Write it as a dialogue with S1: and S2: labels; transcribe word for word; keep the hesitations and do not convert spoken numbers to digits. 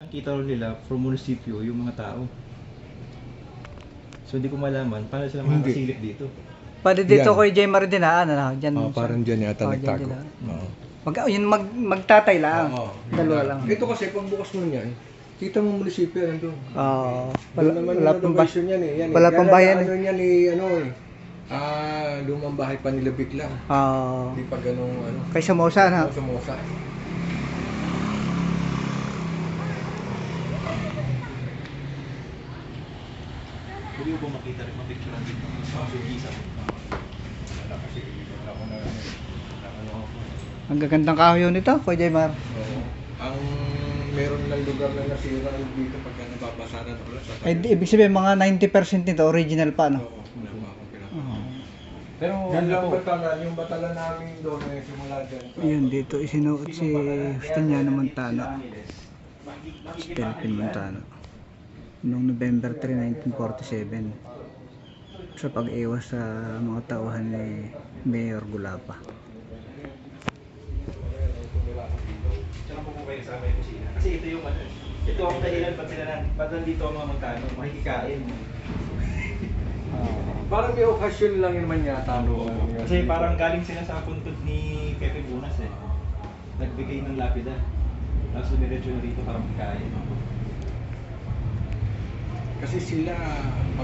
S1: Nakita rin nila from munisipyo yung mga tao. So hindi ko malaman paano sila
S2: Hindi.
S1: makakasilip dito.
S3: Pwede dito
S2: Yan.
S3: kay J. Maridinaan, ano, dyan.
S2: Oh, parang dyan yata
S3: Oh, dyan
S2: nagtago.
S3: sila.
S2: Oo.
S3: Mag, yun, mag, magtatay lang.
S2: Oo,
S3: Dalawa
S2: yun
S3: lang.
S2: Ito kasi pag bukas mo niyan, kita mo munisipyo nandun.
S3: Oo.
S2: Wala
S3: wala,
S2: naman
S3: wala
S2: yung
S3: pang ba-
S2: renovation yan eh. Yan,
S3: wala
S2: eh.
S3: pang
S2: Kaya
S3: bayan
S2: Ano yan eh, ano eh. Ah, lumang bahay pa nila bigla.
S3: Oo.
S2: Hindi pa ganong ano.
S3: Kay Somoza, na.
S2: Samosa.
S1: Pwede ko ba makita rin mapicturean dito? Sa Sugisa.
S2: Wala kasi, wala ko na ano. Wala ko na ako.
S3: Ang gagandang kahoy yun nito, Kuya J. Mar.
S2: Oo. Ang meron lang lugar na nasira dito pagka nababasa na ulit sa
S3: Ay, di- ibig sabihin, mga ninety percent nito, original pa, no?
S2: Oo, wala pa akong pinapagawa.
S3: Oo.
S1: Pero
S2: Yan
S1: ano
S2: lang
S1: po,
S2: batalan, yung batalan namin doon eh, simula dyan.
S3: Ayun, dito isinuot si Justiniano Montano. Si Delphin Montano. Noong November third, nineteen forty-seven. Sa pag-iwas sa mga tauhan ni Mayor Gulapa.
S1: tsaka po po kayo sa aming kusina. Kasi ito yung ano, ito ang dahilan ba't sila na, ba't nandito ang mga magkano, makikikain.
S2: Parang may okasyon lang yun naman yata. No?
S1: Kasi parang galing sila sa puntod ni Pepe Bunas eh. Nagbigay ng lapida. Tapos dumiretso na rito para magkain.
S2: Kasi sila,